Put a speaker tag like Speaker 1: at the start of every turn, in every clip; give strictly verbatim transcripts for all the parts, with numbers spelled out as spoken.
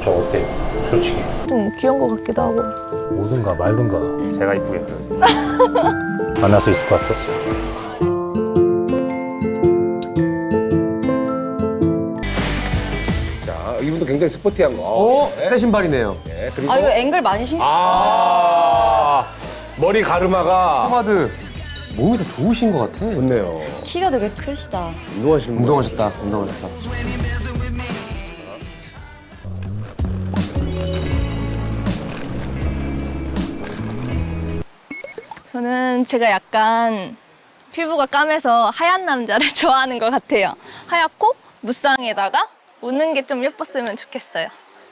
Speaker 1: 저 어때요? 솔직히.
Speaker 2: 좀 귀여운 것 같기도 하고.
Speaker 1: 뭐든가 말든가 제가 이쁘게 만날 수 있을 것 같아.
Speaker 3: 자, 이분도 굉장히 스포티한 거.
Speaker 4: 오, 새 신발이네요.
Speaker 3: 네, 그리고
Speaker 5: 아, 이거 앵글 많이 신.
Speaker 3: 아, 머리 가르마가
Speaker 4: 포마드 몸이 더 좋으신 것 같아.
Speaker 3: 좋네요.
Speaker 5: 키가 되게 크시다.
Speaker 3: 운동하시는 분.
Speaker 4: 운동하셨다. 운동하셨다.
Speaker 2: 저는 제가 약간 피부가 까매서 하얀 남자를 좋아하는 것 같아요. 하얗고 무쌍에다가 웃는 게 좀 예뻤으면 좋겠어요.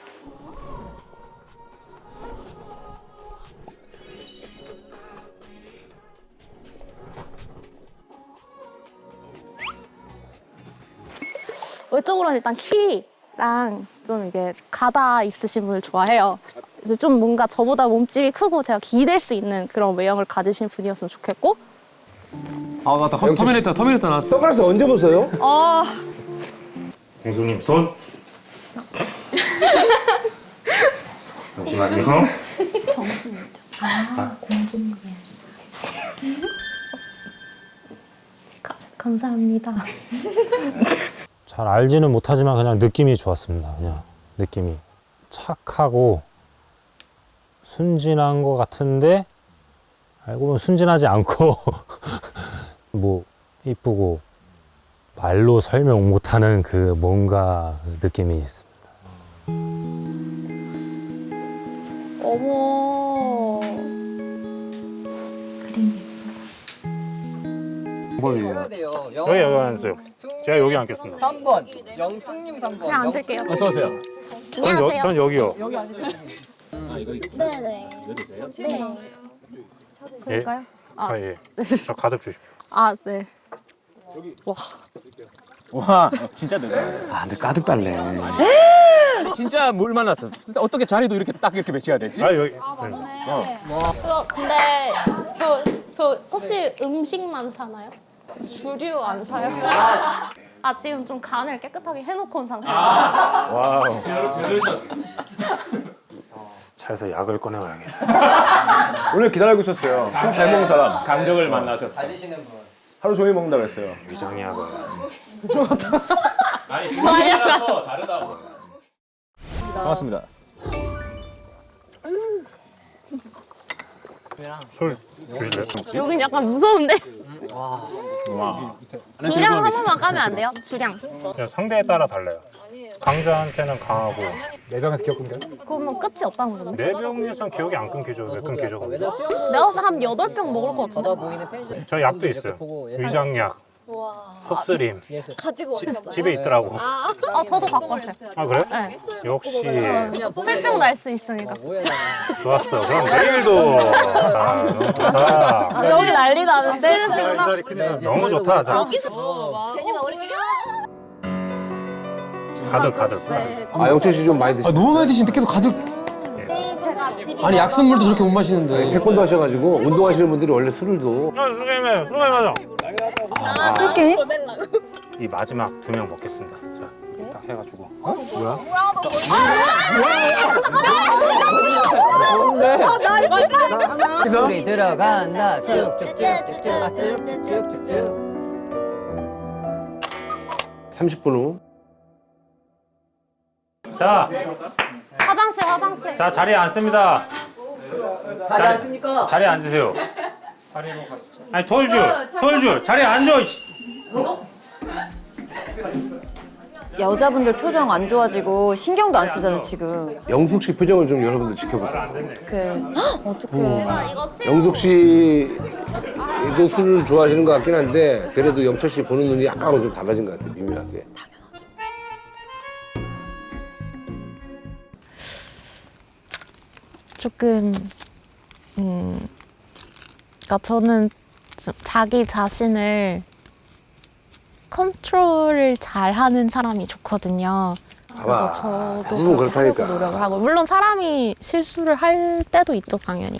Speaker 2: 외적으로는 일단 키랑 좀 이게 가다 있으신 분을 좋아해요. 그래서 좀 뭔가 저보다 몸집이 크고 제가 기댈 수 있는 그런 외형을 가지신 분이었으면 좋겠고.
Speaker 4: 아, 맞다. 터, 터미네이터, 터미네이터 나왔어.
Speaker 3: 선글라스 언제 보세요?
Speaker 5: 아,
Speaker 1: 공주님 손. 잠시만요.
Speaker 2: 정신이죠. 아, 공주님. 감사합니다.
Speaker 1: 잘 알지는 못하지만 그냥 느낌이 좋았습니다. 그냥 느낌이 착하고 순진한 것 같은데 알고 보면 순진하지 않고 뭐 이쁘고 말로 설명 못하는 그 뭔가 느낌이 있습니다.
Speaker 5: 어머.
Speaker 4: 뭐예요?
Speaker 1: 여기 여기 앉으세요. 제가 여기 앉겠습니다.
Speaker 6: 삼 번 영숙님 삼 번.
Speaker 2: 그냥 앉을게요.
Speaker 1: 어서 오세요. 전, 여,
Speaker 2: 안녕하세요.
Speaker 1: 전 여기요.
Speaker 6: 여기 앉으세요.
Speaker 2: 네네. 네. 그럴까요?
Speaker 1: 아,
Speaker 2: 아,
Speaker 1: 예. 저 가득 주십시오.
Speaker 2: 아, 네. 와.
Speaker 6: 와 진짜 대단.
Speaker 4: 아, 근데 가득 달래.
Speaker 6: 진짜 물 만났어. 어떻게 자리도 이렇게 딱 이렇게 배치해야 되지?
Speaker 1: 아, 여기.
Speaker 2: 저 근데 저, 저 혹시 음식만 사나요? 주류 안 사요? 아, 지금 좀 간을 깨끗하게 해놓고 온 상태예요.
Speaker 1: 와우. 차에서 약을 꺼내와야겠다.
Speaker 3: 오늘 기다리고 있었어요. 술 잘 먹는 사람.
Speaker 6: 감정을 만나셨어.
Speaker 3: 하루 종일 먹는다고 했어요.
Speaker 1: 위장이 약을.
Speaker 6: 아니 분위기라서 다르다고. 반갑습니다.
Speaker 1: 술 주실래요?
Speaker 2: 여긴 약간 무서운데?
Speaker 6: 와.
Speaker 2: 주량 한 번만 까면 안 돼요? 주량.
Speaker 1: 그냥 상대에 따라 달라요. 강자한테는 강하고
Speaker 3: 네 병에서 기억 끊겨요?
Speaker 2: 그러면 끝이 없다는 건데?
Speaker 1: 네 병에선 기억이 안 끊기죠. 왜 끊기죠? 그럼?
Speaker 2: 내가 봐서 한 여덟 병 먹을 것 같은데?
Speaker 1: 저 약도 있어요. 위장약, 속쓰림.
Speaker 2: 가지고
Speaker 1: 지, 집에 있더라고.
Speaker 2: 아, 저도 갖고 왔어요.
Speaker 1: 아 그래요?
Speaker 2: 네.
Speaker 1: 역시
Speaker 2: 술병 날 수 있으니까.
Speaker 1: 좋았어. 그럼 내일도. 아, 너무 좋다.
Speaker 2: 여기 난리 나는데? 싫으시구나.
Speaker 1: 너무 좋다. 자, 가득 가득.
Speaker 3: 아, 영철 씨 좀 많이 드시.
Speaker 4: 아, 너무 많이 드시는데 계속 가득.
Speaker 2: 제가 집이
Speaker 4: 아니, 약수물도 저렇게 못 마시는데.
Speaker 3: 태권도 하셔가지고 운동하시는 분들이 원래 술을 도
Speaker 1: 아, 수고해요. 수고해요.
Speaker 5: 이렇게?
Speaker 1: 이 마지막 두 명 먹겠습니다. 자, 딱 해가지고. 어? 뭐야?
Speaker 6: 소리 들어간다. 쭉쭉쭉쭉쭉. 아, 쭉쭉쭉쭉쭉.
Speaker 3: 삼십 분 후.
Speaker 1: 자,
Speaker 2: 화장실, 화장실.
Speaker 1: 자 자리에 앉습니다.
Speaker 6: 자리 앉습니까?
Speaker 1: 자리에 앉으세요. 자리로 가시죠. 아니 톨줄, 톨줄 자리에 앉아. 이씨.
Speaker 5: 여자분들 표정 안 좋아지고 신경도 안 쓰잖아, 지금.
Speaker 3: 영숙 씨 표정을 좀 여러분들 지켜보세요.
Speaker 5: 어떡해. 헉, 어떡해.
Speaker 3: 영숙 씨도 술을 좋아하시는 것 같긴 한데 그래도 영철 씨 보는 눈이 약간은 좀 달라진 것 같아요. 미묘하게.
Speaker 2: 조금, 음, 그러니까 저는 좀 자기 자신을 컨트롤을 잘하는 사람이 좋거든요. 그래서
Speaker 3: 봐봐.
Speaker 2: 저도
Speaker 3: 대부분
Speaker 2: 그렇게
Speaker 3: 그렇다니까.
Speaker 2: 하려고 노력을 하고, 물론 사람이 실수를 할 때도 있죠, 당연히.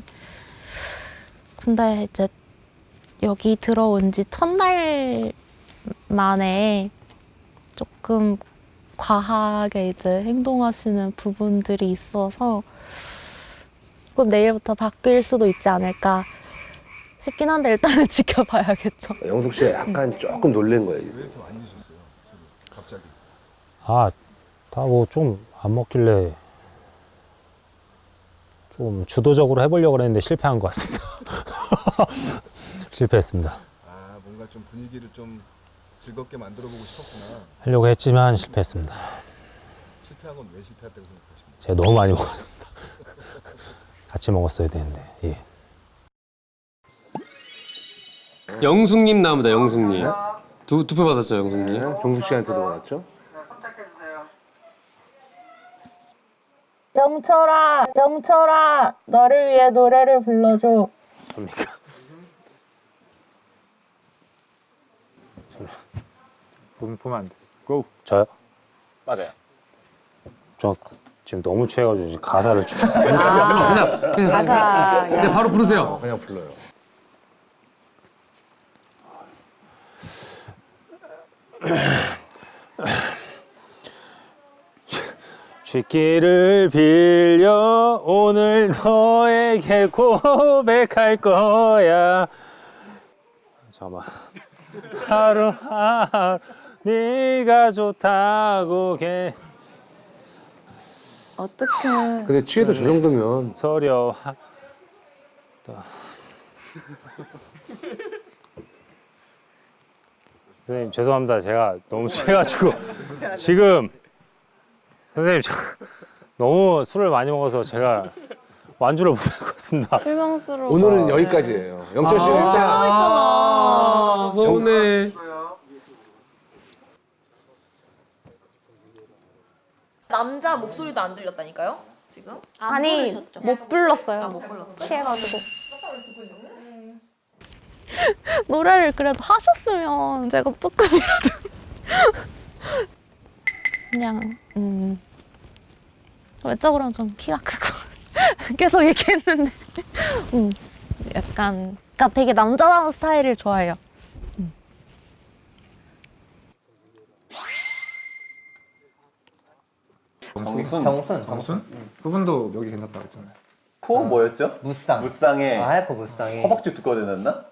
Speaker 2: 근데 이제 여기 들어온 지 첫날 만에 조금 과하게 이제 행동하시는 부분들이 있어서 꼭 내일부터 바뀔 수도 있지 않을까 싶긴 한데 일단은 지켜봐야겠죠.
Speaker 3: 영숙 씨 약간 조금 놀란 거예요. 지금.
Speaker 1: 아, 다 뭐 좀 안 먹길래 좀 주도적으로 해보려고 했는데 실패한 것 같습니다. 실패했습니다.
Speaker 7: 아 뭔가 좀 분위기를 좀 즐겁게 만들어 보고 싶었구나.
Speaker 1: 하려고 했지만 실패했습니다.
Speaker 7: 실패한 건 왜 실패했다고 생각하십니까?
Speaker 1: 제가 너무 많이 먹었습니다. 같이 먹었어야 되는데. 예.
Speaker 4: 영숙님 나옵니다. 영숙님. 두 두 표 받았죠, 영숙님.
Speaker 3: 네, 종숙 씨한테도 받았죠?
Speaker 2: 영철아, 영철아, 너를 위해 노래를 불러줘.
Speaker 1: 접니까?
Speaker 6: 보면 보면 안 돼. 고.
Speaker 1: 저요?
Speaker 6: 맞아요.
Speaker 1: 저 지금 너무 취해가지고 지금 가사를 좀.
Speaker 5: 아, 가사.
Speaker 4: 네, 바로 부르세요.
Speaker 3: 그냥 불러요.
Speaker 1: 쥐기를 빌려 오늘 너에게 고백할 거야. 잠깐만. 하루하루 네가 좋다고 개
Speaker 5: 어떡해.
Speaker 3: 근데 취해도 저 정도면
Speaker 1: 서려. 선생님 죄송합니다. 제가 너무 취해가지고 지금 선생님 저 너무 술을 많이 먹어서 제가 완주를 못할 것 같습니다.
Speaker 5: 실망스러워.
Speaker 3: 오늘은 여기까지예요. 영철 씨는 일단
Speaker 4: 아, 서운해.
Speaker 8: 남자 목소리도 안 들렸다니까요? 지금?
Speaker 2: 아니, 못 불렀어요.
Speaker 8: 못 불렀어요.
Speaker 2: 취해가지고. 노래를 그래도 하셨으면 제가 조금이라도 그냥 음 외적으로는 좀 키가 크고 계속 얘기했는데 음 약간 그러니까 되게 남자다운 스타일을 좋아해요.
Speaker 9: 정순.
Speaker 10: 정순.
Speaker 6: 정순? 그분도 여기 괜찮다고 했잖아요.
Speaker 9: 코 뭐였죠?
Speaker 10: 무쌍.
Speaker 9: 무쌍에
Speaker 10: 아, 하얗고 무쌍이.
Speaker 9: 허벅지 두꺼워 되났나?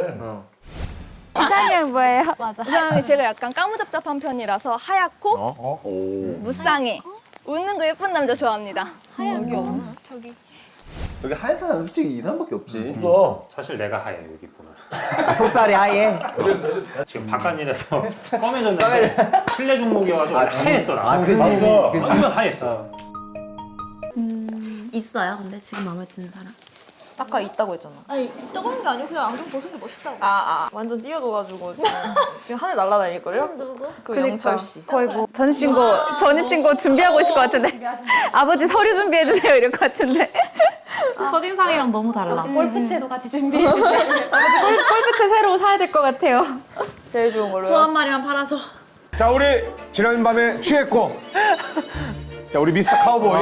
Speaker 5: 이상형 뭐예요?
Speaker 2: 맞아.
Speaker 5: 이상형이 제가 약간 까무잡잡한 편이라서 하얗고
Speaker 6: 어? 어?
Speaker 5: 무쌍해. 웃는 거 예쁜 남자 좋아합니다.
Speaker 8: 여기 없나?
Speaker 9: 여기 하얀 사람 솔직히 이 사람밖에 없지.
Speaker 1: 사실 내가 하얘 여기 보면.
Speaker 10: 속살이 하얘.
Speaker 1: 지금 바깥일에서 검해졌는데 실내 종목이어가지고 하얘어 나.
Speaker 10: 아, 그지.
Speaker 1: 완전 하얘어.
Speaker 8: 음, 있어요. 근데 지금 마음에 드는 사람?
Speaker 5: 아까 있다고 했잖아.
Speaker 2: 아니 떠보는 게 아니고 그냥 안경 벗은 게 멋있다고.
Speaker 5: 아, 아. 완전 뛰어줘가지고 지금, 지금 하늘 날아다닐걸요?
Speaker 2: 누구?
Speaker 5: 그 영철 씨.
Speaker 11: 거의 뭐 전입신고 전입신고 준비하고 있을 것 같은데 아버지 서류 준비해 주세요 이럴 것 같은데
Speaker 8: 첫인상이랑 너무 달라.
Speaker 2: 골프채도 같이 준비해 주세요.
Speaker 11: 아버지 골, 골프채 새로 사야 될 것 같아요.
Speaker 5: 제일 좋은 걸로요.
Speaker 8: 소 한 마리만 팔아서.
Speaker 3: 자 우리 지난밤에 취했고 자 우리 미스터 카우보이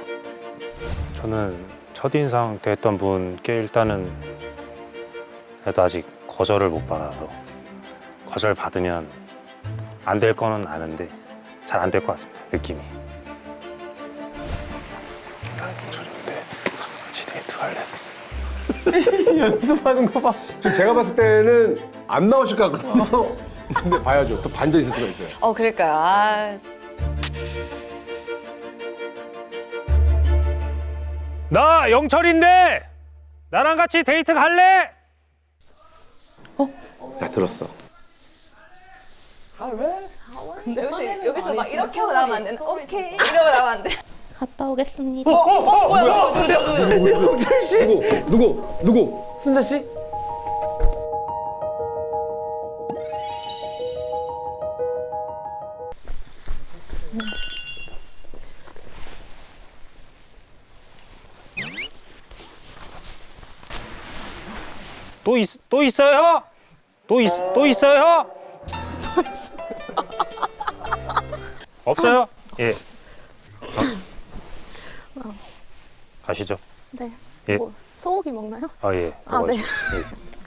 Speaker 1: 저는 첫인상 때 했던 분께 일단은 그래도 아직 거절을 못 받아서 거절 받으면 안 될 거는 아는데 잘 안 될 것 같습니다. 느낌이. 나는 저런데 같이 데이트 갈래.
Speaker 3: 연습하는 거 봐. 지금 제가 봤을 때는 안 나오실 것 같거든요. 근데 봐야죠. 또 반전이 있을 수가 있어요.
Speaker 5: 어, 그럴까요? 아.
Speaker 1: 나 영철인데 나랑 같이 데이트 갈래?
Speaker 3: 자 들었어.
Speaker 5: 근데 여기서, 여기서 막 이렇게 하고 나가면 안 되나? 오케이. 이러고 나가면 안 돼.
Speaker 2: 갔다 오겠습니다.
Speaker 3: 누구? 누구? 누구?
Speaker 10: 순자 씨?
Speaker 1: 또, 있, 또 있어요? 또, 있, 또 있어요? 없어요? 예. 어. 가시죠.
Speaker 2: 네.
Speaker 1: 예.
Speaker 2: 뭐 소고기 먹나요?
Speaker 1: 아, 예.
Speaker 2: 아, 네.
Speaker 1: 먹어야죠.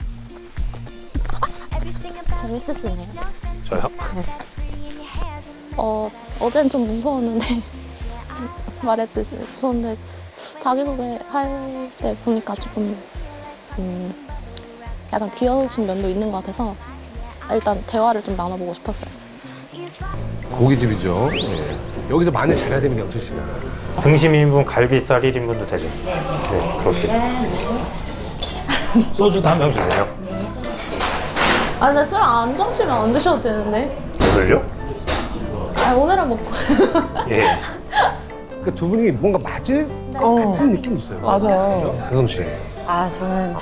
Speaker 1: 예.
Speaker 2: 재밌으시네요.
Speaker 1: 저요?
Speaker 2: 어, 어제는 좀 무서웠는데 말했듯이 무서웠는데 자기소개 할 때 보니까 조금 음, 약간 귀여우신 면도 있는 것 같아서 일단 대화를 좀 나눠보고 싶었어요.
Speaker 3: 고깃집이죠. 예. 여기서 마늘 잘해야 됩니다, 영철 씨는.
Speaker 1: 등심 일 인분, 갈비살 일 인분도 되죠? 네, 그렇게. 소주도 한 병 주세요.
Speaker 2: 아 근데 술 안 좋아하시면 안 드셔도 되는데.
Speaker 1: 오늘요?
Speaker 2: 아 오늘은 먹고.
Speaker 1: 예.
Speaker 3: 그러니까 두 분이 뭔가 맞을 것 같은 느낌이 있어요.
Speaker 6: 맞아.
Speaker 3: 혜성 씨.
Speaker 5: 아 저는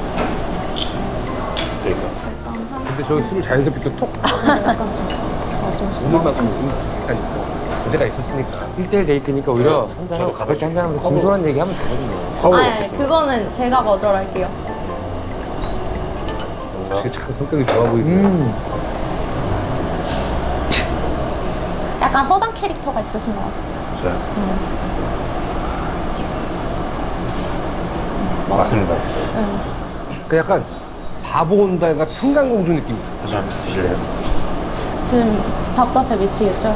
Speaker 1: 그러니까.
Speaker 3: 근데 저희 술을 자연스럽게 또 톡.
Speaker 2: 약간 좀 맞으면 진짜
Speaker 3: 오늘만큼 일단 있고 문제가 있었으니까.
Speaker 4: 일 대일 데이트니까 오히려 한잔하고 가볍게 한잔하면서 진솔한 얘기하면 되거든요.
Speaker 1: 파워
Speaker 2: 아
Speaker 1: 먹겠습니다.
Speaker 2: 그거는 제가 거절할게요.
Speaker 3: 혹시 참 성격이 좋아 보이세요.
Speaker 4: 음.
Speaker 2: 약간 허당 캐릭터가 있으신 것 같아요.
Speaker 1: 저요? 맞습니다.
Speaker 2: 응.
Speaker 3: 그 약간 바보 온다가 평강공주 느낌이 있어요.
Speaker 1: 다시 한번 드실래요?
Speaker 2: 지금 답답해 미치겠죠?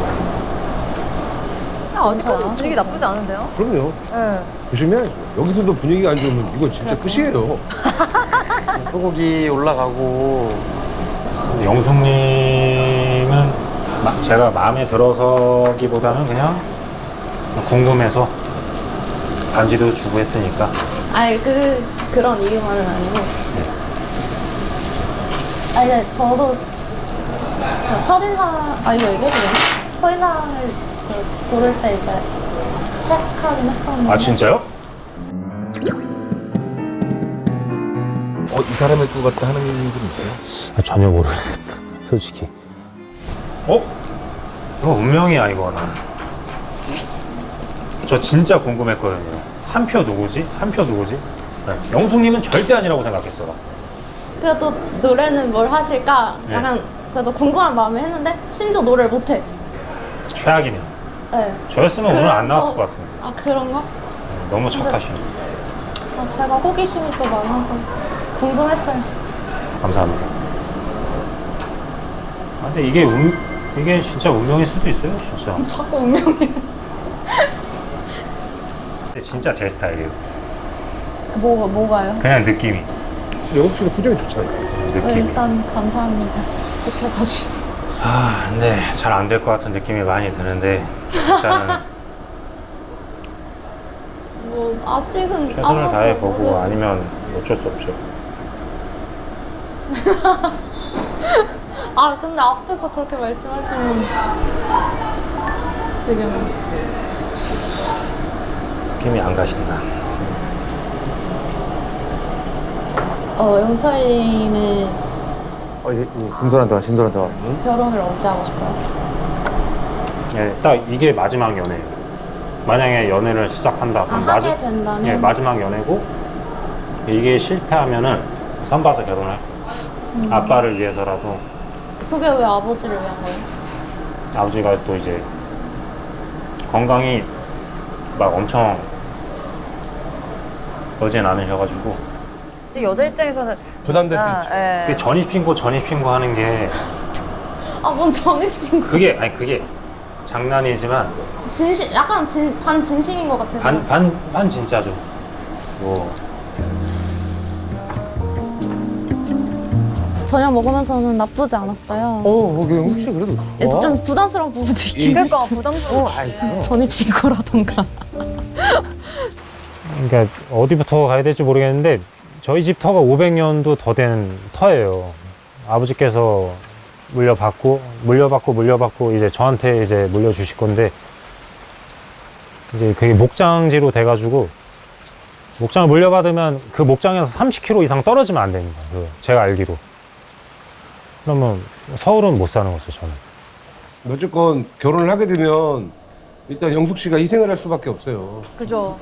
Speaker 5: 아직까지 분위기 나쁘지 않은데요?
Speaker 3: 그럼요.
Speaker 5: 네.
Speaker 3: 보시면 여기서도 분위기가 안 좋으면 이건 진짜 끝이에요.
Speaker 4: 소고기 올라가고
Speaker 1: 영숙님은 마- 제가 마음에 들어서기보다는 그냥 궁금해서 반지도 주고 했으니까.
Speaker 2: 아니 그 그런 이유만은 아니고. 아 이제 저도 그 첫인상 아 이거 얘기해도 되나? 첫인상을 그 고를 때 이제 택하긴 했었는데.
Speaker 1: 아 진짜요?
Speaker 7: 어, 이 사람일 것 같다 하는 분 있어요?
Speaker 1: 아, 전혀 모르겠습니다. 솔직히. 어? 이거 운명이야 이거는. 저 진짜 궁금했거든요. 한 표 누구지? 한 표 누구지? 네. 영숙님은 절대 아니라고 생각했어요.
Speaker 2: 그래도 노래는 뭘 하실까?
Speaker 1: 네.
Speaker 2: 약간 그래도 궁금한 마음에 했는데 심지어 노래를 못해.
Speaker 1: 최악이네요.
Speaker 2: 네.
Speaker 1: 저였으면 오늘 안
Speaker 2: 그래서-
Speaker 1: 나왔을 것 같습니다.
Speaker 2: 아 그런가?
Speaker 1: 네, 너무 착하시네.
Speaker 2: 아, 제가 호기심이 또 많아서 궁금했어요.
Speaker 1: 감사합니다. 아, 근데 이게 운, 이게 진짜 운명일 수도 있어요, 진짜.
Speaker 2: 자꾸 운명이.
Speaker 1: 근데 진짜 제 스타일이에요.
Speaker 2: 뭐가 뭐가요?
Speaker 1: 그냥 느낌이.
Speaker 3: 영숙 씨도 표정이 좋잖아요.
Speaker 1: 느낌이.
Speaker 2: 일단 감사합니다. 좋게 봐주셔서.
Speaker 1: 아, 근데 잘 안 될 것 같은 느낌이 많이 드는데 일단은
Speaker 2: 뭐 아직은
Speaker 1: 최선을
Speaker 2: 아무것도
Speaker 1: 다해 보고
Speaker 2: 모르-
Speaker 1: 아니면 어쩔 수 없죠.
Speaker 2: 아 근데 앞에서 그렇게 말씀하시면 되게 뭐
Speaker 1: 느낌이 안 가신다.
Speaker 2: 어 영철님은
Speaker 4: 어, 이제, 이제 진솔한 대화, 진솔한 대화.
Speaker 2: 결혼을 언제 하고 싶어요?
Speaker 1: 예, 딱 이게 마지막 연애예요. 만약에 연애를 시작한다
Speaker 2: 아
Speaker 1: 그럼
Speaker 2: 하게
Speaker 1: 마지-
Speaker 2: 된다면
Speaker 1: 예, 마지막 연애고 이게 실패하면은 선봐서 결혼할 거예요.
Speaker 2: 음.
Speaker 1: 아빠를 위해서라도.
Speaker 2: 그게 왜 아버지를 위한 거예요?
Speaker 1: 아버지가 또 이제 건강이 막 엄청 어진 않으셔가지고
Speaker 5: 근데 여자 입장에서는
Speaker 3: 부담될 수
Speaker 5: 아,
Speaker 3: 있죠.
Speaker 5: 예.
Speaker 1: 그 전입신고 전입신고 하는 게
Speaker 2: 아 뭔 전입신고?
Speaker 1: 그게 아니 그게 장난이지만
Speaker 2: 진심 약간 진, 반 진심인 것 같아요.
Speaker 1: 반 반 반 진짜죠. 뭐
Speaker 2: 저녁 먹으면서는 나쁘지 않았어요.
Speaker 4: 어, 그 혹시 그래도 좋아?
Speaker 2: 좀 부담스러운 부분도 있긴
Speaker 5: 그러니까 부담스러워.
Speaker 2: 전입신고라던가.
Speaker 1: 그러니까 어디부터 가야 될지 모르겠는데 저희 집 터가 오백 년도 더 된 터예요. 아버지께서 물려받고 물려받고 물려받고 이제 저한테 이제 물려주실 건데 이제 그게 목장지로 돼가지고 목장을 물려받으면 그 목장에서 삼십 킬로미터 이상 떨어지면 안 됩니다. 그 제가 알기로. 그러면 서울은 못 사는 거죠, 저는.
Speaker 3: 어쨌건 결혼을 하게 되면 일단 영숙 씨가 희생을 할 수밖에 없어요.
Speaker 5: 그죠.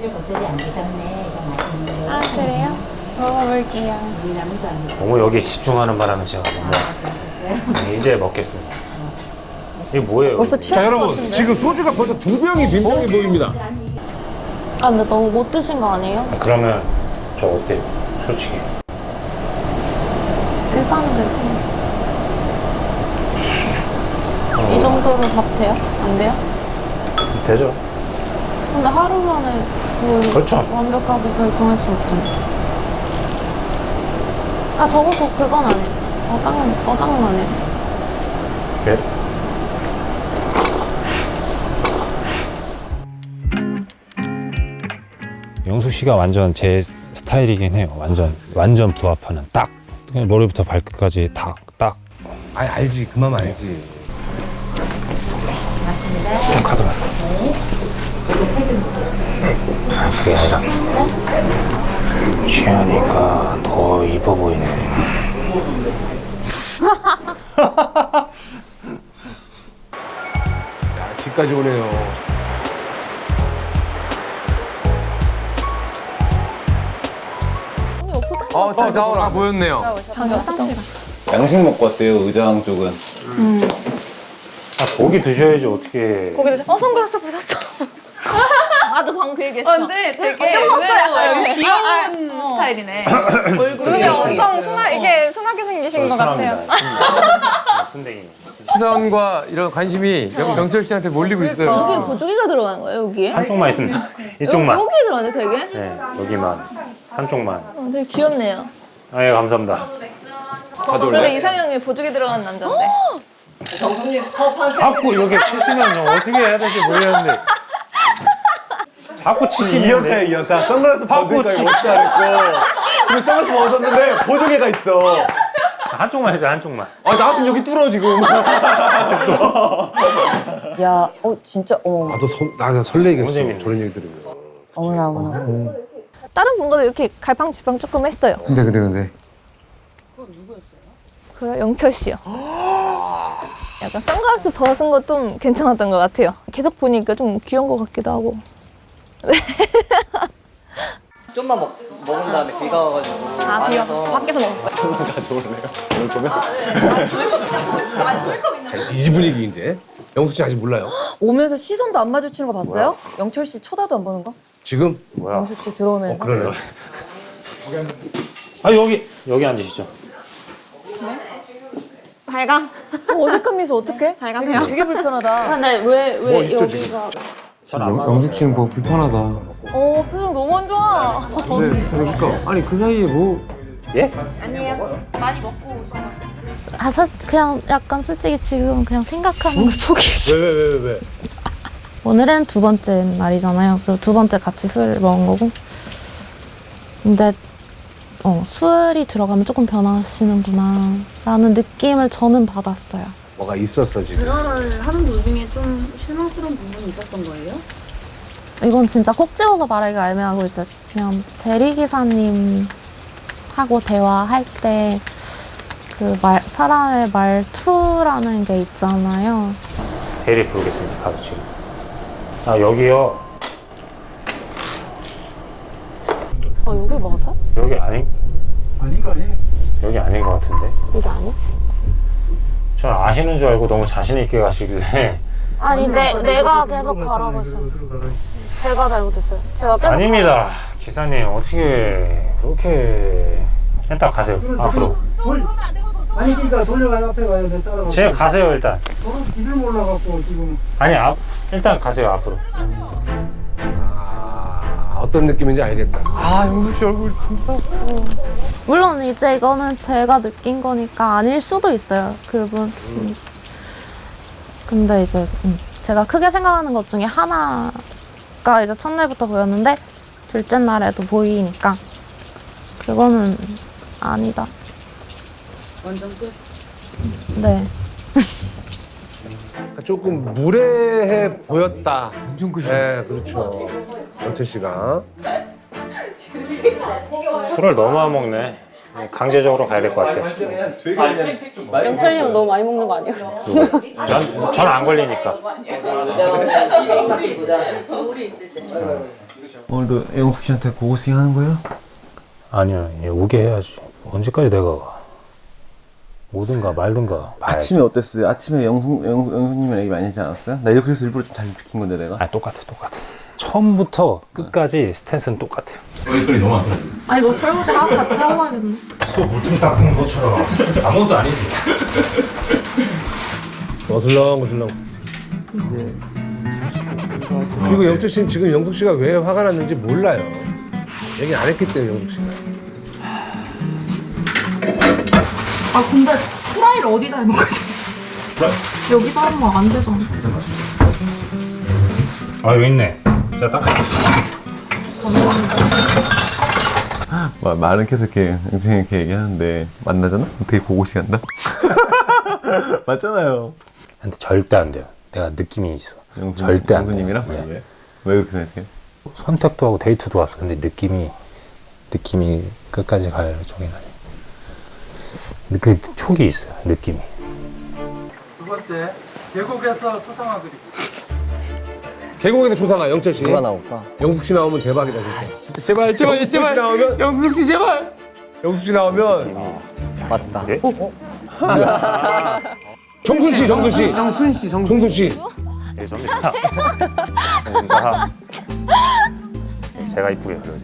Speaker 2: 아 그래요? 먹어볼게요.
Speaker 1: 너무 여기 집중하는 바람에 제가 못 먹었어요. 네, 이제 먹겠습니다. 이게 뭐예요?
Speaker 5: 벌써
Speaker 1: 이게?
Speaker 3: 자
Speaker 5: 취할 것
Speaker 3: 여러분
Speaker 5: 같은데.
Speaker 3: 지금 소주가 벌써 두 병이 빈병이 보입니다.
Speaker 2: 아 근데 너무 못 드신 거 아니에요?
Speaker 1: 아, 그러면 저 어때요? 솔직히.
Speaker 2: 일단은 괜찮아요. 이 정도로 밥 돼요? 안 돼요?
Speaker 1: 되죠.
Speaker 2: 근데 하루 만에 뭘
Speaker 1: 그렇죠.
Speaker 2: 완벽하게 결정할 수 없잖아요. 아, 적어도 그건 안 해요. 어장은, 어장은 안 해요.
Speaker 1: 네. 영수 씨가 완전 제 스타일이긴 해요. 완전 완전 부합하는 딱 그냥 머리부터 발끝까지 다 딱.
Speaker 3: 아 알지 그 맘 알지.
Speaker 1: 좀 가져가. 아, 그게 아니라 취하니까 더 이뻐 보이네.
Speaker 3: 야 집까지 오네요.
Speaker 4: 어, 다 나오라 보였네요.
Speaker 2: 화장실 갔어.
Speaker 9: 양식 먹고 왔대요, 의장 쪽은.
Speaker 1: 아, 고기 드셔야지 어떻게.
Speaker 5: 거기 어 선글라스 벗었어.
Speaker 8: 나도 방금 그 얘기했어.
Speaker 11: 어, 근데 되게 의외로 귀여운 스타일이네.
Speaker 5: 눈이 엄청 순하 이렇게 순하게 생기신 것 같아요.
Speaker 1: 순대기.
Speaker 4: 시선과 이런 관심이 영, 영철 씨한테 몰리고 있어요.
Speaker 8: 여기 보조개가 들어가는 거예요, 여기에?
Speaker 1: 한쪽만 있습니다. 이쪽만.
Speaker 8: 여기 들어가네, 되게?
Speaker 1: 네, 여기만. 한쪽만.
Speaker 8: 어, 되게 귀엽네요.
Speaker 1: 아, 예, 감사합니다.
Speaker 8: 원래 이상형이 보조개 들어가는 남자인데.
Speaker 1: 자꾸 이렇게 치시면 저 어떻게 해야 될지 모르겠는데. 자꾸 치시는데.
Speaker 9: 이연타, 이연타. 선글라스
Speaker 1: 자꾸
Speaker 9: 벗으니까
Speaker 1: 치-
Speaker 9: 이거 어떻게 알았고. 근데 선글라스 벗었는데 보조개가 있어.
Speaker 1: 한쪽만 해줘, 한쪽만.
Speaker 9: 아, 나 같으면 여기 뚫어, 지금.
Speaker 5: 야, 어 진짜 어머
Speaker 3: 나도 선, 나 설레겠어.
Speaker 1: 너무 재밌네.
Speaker 3: 저런 얘기 들으면.
Speaker 5: 어머나 어머나.
Speaker 8: 다른 분과도 이렇게 갈팡질팡 조금 했어요.
Speaker 4: 근데 근데 근데
Speaker 8: 그 영철 씨요. 약간 선글라스 벗은 거 좀 괜찮았던 것 같아요. 계속 보니까 좀 귀여운 것 같기도 하고.
Speaker 10: 좀만 먹, 먹은 다음에 비가 와가지고
Speaker 5: 아 비가
Speaker 10: 안에서
Speaker 5: 밖에서 먹었어요.
Speaker 3: 이 집 분위기 이제. 영수 씨 아직 몰라요?
Speaker 5: 오면서 시선도 안 마주치는 거 봤어요? 영철 씨 쳐다도 안 보는 거?
Speaker 3: 지금?
Speaker 1: 뭐야?
Speaker 5: 영숙 씨 들어오면서.
Speaker 3: 그러네요.
Speaker 1: 아, 여기, 여기 앉으시죠.
Speaker 5: 잘 가. 저 어색한 미소 어떡해? 잘 가세요. 되게, 되게 불편하다.
Speaker 2: 근데 왜, 왜
Speaker 3: 뭐 있죠,
Speaker 2: 여기가.
Speaker 4: 영, 영숙 씨는 뭐 불편하다.
Speaker 5: 어 표정 너무 안 좋아.
Speaker 4: 네, 그러니까 아니 그 사이에 뭐
Speaker 1: 예?
Speaker 2: 아, 사, 그냥 약간 솔직히 지금 그냥 생각하는 걸 포기했어.
Speaker 3: 왜 왜 왜 왜, 왜?
Speaker 2: 오늘은 두 번째 날이잖아요. 그리고 두 번째 같이 술 먹은 거고. 근데 어, 술이 들어가면 조금 변하시는구나 라는 느낌을 저는 받았어요.
Speaker 3: 뭐가 있었어 지금.
Speaker 8: 그거를 하는 도중에 좀 실망스러운 부분이 있었던 거예요?
Speaker 2: 이건 진짜 콕 집어서 말하기가 애매하고 이제 그냥 대리기사님하고 대화할 때 그 말, 사람의 말투라는 게 있잖아요.
Speaker 1: 대리 부르겠습니다, 바로 지금. 아, 여기요.
Speaker 2: 저 여기 맞아?
Speaker 1: 여기 아닌? 여기 아닌 것 같은데?
Speaker 2: 여기 아니야?
Speaker 1: 전 아시는 줄 알고 너무 자신있게 가시길래.
Speaker 2: 아니 내, 내가 계속 가라고 했어요. 제가 잘못했어요. 제가 계속
Speaker 1: 아닙니다. 기사님, 어떻게 그렇게. 일단 가세요, 앞으로.
Speaker 12: 아니 그러니까 돌려가야 앞에 가야 돼. 따라가.
Speaker 1: 제가 가세요, 일단.
Speaker 12: 저는 길을 몰라갖고 지금.
Speaker 1: 아니, 앞, 일단 가세요, 앞으로.
Speaker 3: 아 어떤 느낌인지 알겠다.
Speaker 4: 아 영숙 씨 얼굴 감싸웠어.
Speaker 2: 물론 이제 이거는 제가 느낀 거니까 아닐 수도 있어요. 그분. 음. 근데 이제 음, 제가 크게 생각하는 것 중에 하나가 이제 첫날부터 보였는데 둘째 날에도 보이니까 그거는 아니다.
Speaker 8: 완전 끝.
Speaker 2: 네.
Speaker 3: 조금 무례해 보였다.
Speaker 4: 엄청 크죠.
Speaker 3: 네, 그렇죠. 영철 씨가.
Speaker 1: 술을 너무 안 먹네. 강제적으로 가야 될 것 같아요.
Speaker 9: 되게 그냥 좀 많이
Speaker 2: 영철님 너무 많이 먹는 거 아니에요?
Speaker 1: 전, 전 안 걸리니까.
Speaker 7: 오늘도 영숙 씨한테 고고싱 하는 거예요?
Speaker 1: 아니요, 얘 오게 해야지. 언제까지 내가 가? 오든가 말든가. 봐야지.
Speaker 9: 아침에 어땠어요? 아침에 영숙, 영, 영숙님이랑 얘기 많이 하지 않았어요? 나 이렇게 해서 일부러 좀 잘 비킨 건데 내가.
Speaker 1: 아, 똑같아, 똑같아. 처음부터 끝까지 스탠스는 똑같아요.
Speaker 2: 아니 너 설거지 하고 같이 하고 와야겠네.
Speaker 1: 소 물통 닦는 것처럼 아무것도 아니지.
Speaker 3: 어슬렁 어슬렁.
Speaker 10: 이제
Speaker 3: 그리고 영철 씨는 지금 영숙 씨가 왜 화가 났는지 몰라요. 얘기 안 했기 때문에 영숙 씨가.
Speaker 8: 아 근데 프라이를 어디다 해먹거지 여기다 하면 안 되잖아.
Speaker 1: 아 여기 있네. 제가 닦아줬습니다.
Speaker 9: 마, 말은 계속 이렇게 영준이 이렇게 얘기하는데 만나잖아? 되게 보고시 간다? 맞잖아요.
Speaker 1: 근데 절대 안 돼요. 내가 느낌이 있어.
Speaker 9: 영수,
Speaker 1: 절대 안 돼요.
Speaker 9: 영수님이랑?
Speaker 1: 네.
Speaker 9: 왜? 왜 그렇게 생각해?
Speaker 1: 선택도 하고 데이트도 왔어. 근데 느낌이 느낌이 끝까지 갈 쪽이 아니에요. 그 촉이 있어요. 느낌이.
Speaker 12: 두 번째, 계곡에서 소상화 그리기.
Speaker 3: 계곡에서 조상아 영철 씨.
Speaker 10: 누가 나올까?
Speaker 3: 영숙 씨 나오면 대박이다 진짜.
Speaker 4: 진짜 제발 제발
Speaker 3: 영숙 씨
Speaker 4: 제발
Speaker 3: 나오면
Speaker 4: 영숙 씨 제발.
Speaker 3: 영숙 씨 나오면
Speaker 10: 맞다.
Speaker 1: 예?
Speaker 3: 정순 씨, 정순 씨,
Speaker 10: 정순 씨, 정순
Speaker 3: 정순 씨.
Speaker 1: 예, 접니다. 뭔가 제가 이쁘게 그려야지.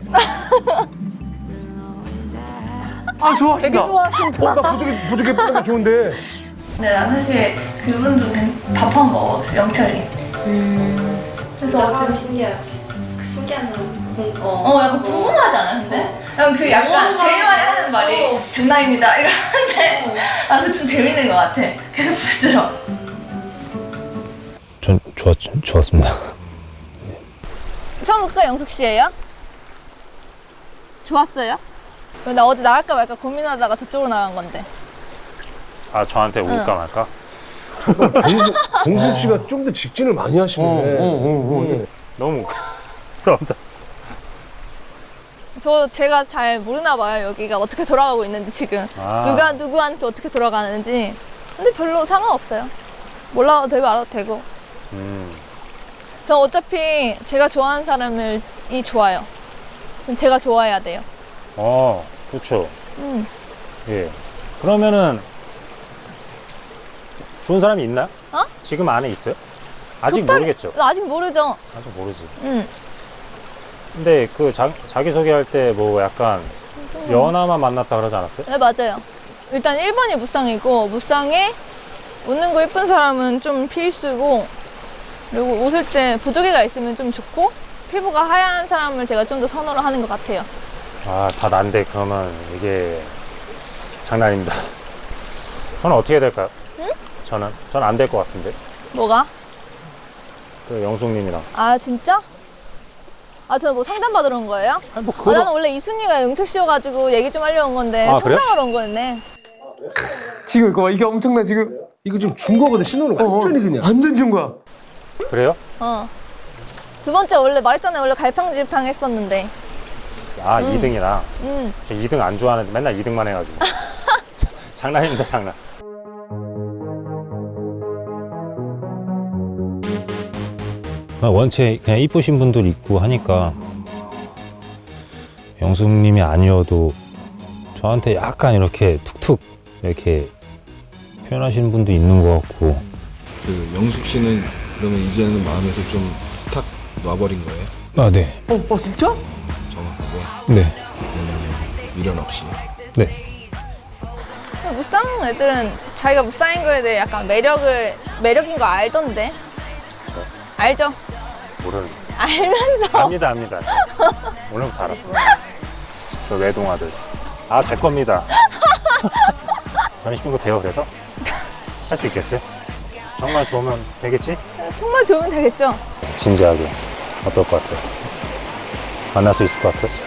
Speaker 10: 아 좋아.
Speaker 5: 되게 좋아하신다.
Speaker 3: 어, 나 부족해, 부족해 보는 게 좋은데.
Speaker 8: 근데 난 사실 그분도 밥 한 번 먹었어, 영철이.
Speaker 11: 진짜 되게 신기하지. 그 신기한 공, 어.
Speaker 8: 어, 약간 궁금하지 않아, 근데? 약간 그 약간 제일 많이 하는 말이 장난입니다 이러는데 아, 그 좀 재밌는 것 같아. 계속 부드러워.
Speaker 1: 전 좋았 좋았습니다.
Speaker 8: 처음부터 영숙 씨예요? 좋았어요? 나 어제 나갈까 말까 고민하다가 저쪽으로 나간 건데.
Speaker 1: 아 저한테 올까 말까?
Speaker 3: 정순 씨가 좀 더 직진을 많이 하시네. 응.
Speaker 1: 너무 죄송합니다.
Speaker 8: 저 제가 잘 모르나 봐요. 여기가 어떻게 돌아가고 있는지 지금.
Speaker 1: 아.
Speaker 8: 누가 누구한테 어떻게 돌아가는지. 근데 별로 상관없어요. 몰라도 되고 알아도 되고.
Speaker 1: 음.
Speaker 8: 저 어차피 제가 좋아하는 사람을 이 좋아요. 그럼 제가 좋아해야 돼요.
Speaker 1: 어, 그렇죠.
Speaker 8: 음.
Speaker 1: 예. 그러면은 좋은 사람이 있나요?
Speaker 8: 어?
Speaker 1: 지금 안에 있어요? 아직
Speaker 8: 좋다-
Speaker 1: 모르겠죠.
Speaker 8: 아직 모르죠.
Speaker 1: 아직 모르지.
Speaker 8: 응.
Speaker 1: 근데 그 자, 자기 소개할 때 뭐 약간 연하만 만났다 그러지 않았어요?
Speaker 8: 네, 맞아요. 일단 일 번이 무쌍이고, 무쌍에 웃는 거 예쁜 사람은 좀 필수고, 그리고 웃을 때 보조개가 있으면 좀 좋고, 피부가 하얀 사람을 제가 좀 더 선호를 하는 것 같아요.
Speaker 1: 아, 다 난데 그러면 이게 장난입니다. 저는 어떻게 될까요?
Speaker 8: 응?
Speaker 1: 저는 저는 안 될 것 같은데.
Speaker 8: 뭐가?
Speaker 1: 그 영숙님이랑.
Speaker 8: 아, 진짜? 아, 저 뭐 상담 받으러 온 거예요?
Speaker 1: 아니 뭐
Speaker 8: 아,
Speaker 1: 그거.
Speaker 8: 나는 원래 이순이가 영철 씨여가지고 얘기 좀 하려고 온 건데,
Speaker 1: 아, 그래요?
Speaker 8: 상담하러 온 거였네.
Speaker 4: 지금 이거 봐 이게 엄청나 지금.
Speaker 3: 이거 지금 준 거거든, 신호를 완전히 그냥.
Speaker 4: 완전 준 거야.
Speaker 1: 그래요?
Speaker 8: 어. 두 번째 원래 말했잖아요. 원래 갈팡질팡 했었는데.
Speaker 1: 아,
Speaker 8: 음.
Speaker 1: 이 등이랑.
Speaker 8: 음.
Speaker 1: 저 이 등 안 좋아하는데 맨날 이 등만 해가지고. 장난입니다, 장난. 원체 그냥 이쁘신 분들 있고 하니까 영숙님이 아니어도 저한테 약간 이렇게 툭툭 이렇게 표현하시는 분도 있는 것 같고.
Speaker 7: 그 영숙 씨는 그러면 이제는 마음에서 좀 탁 놔버린 거예요?
Speaker 1: 아, 네.
Speaker 10: 어, 어 진짜?
Speaker 7: 정확하게
Speaker 1: 네.
Speaker 7: 미련 없이.
Speaker 1: 네.
Speaker 8: 무쌍 애들은 자기가 무쌍인 거에 대해 약간 매력을, 매력인 거 알던데. 알죠?
Speaker 1: 모르는.
Speaker 8: 알면서.
Speaker 1: 압니다, 압니다. 오늘부터 알았어요. 저 외동아들. 아, 제 겁니다. 전입신고 돼요, 그래서? 할 수 있겠어요? 정말 좋으면 되겠지?
Speaker 8: 정말 좋으면 되겠죠?
Speaker 1: 진지하게. 어떨 것 같아요? 만날 수 있을 것 같아요?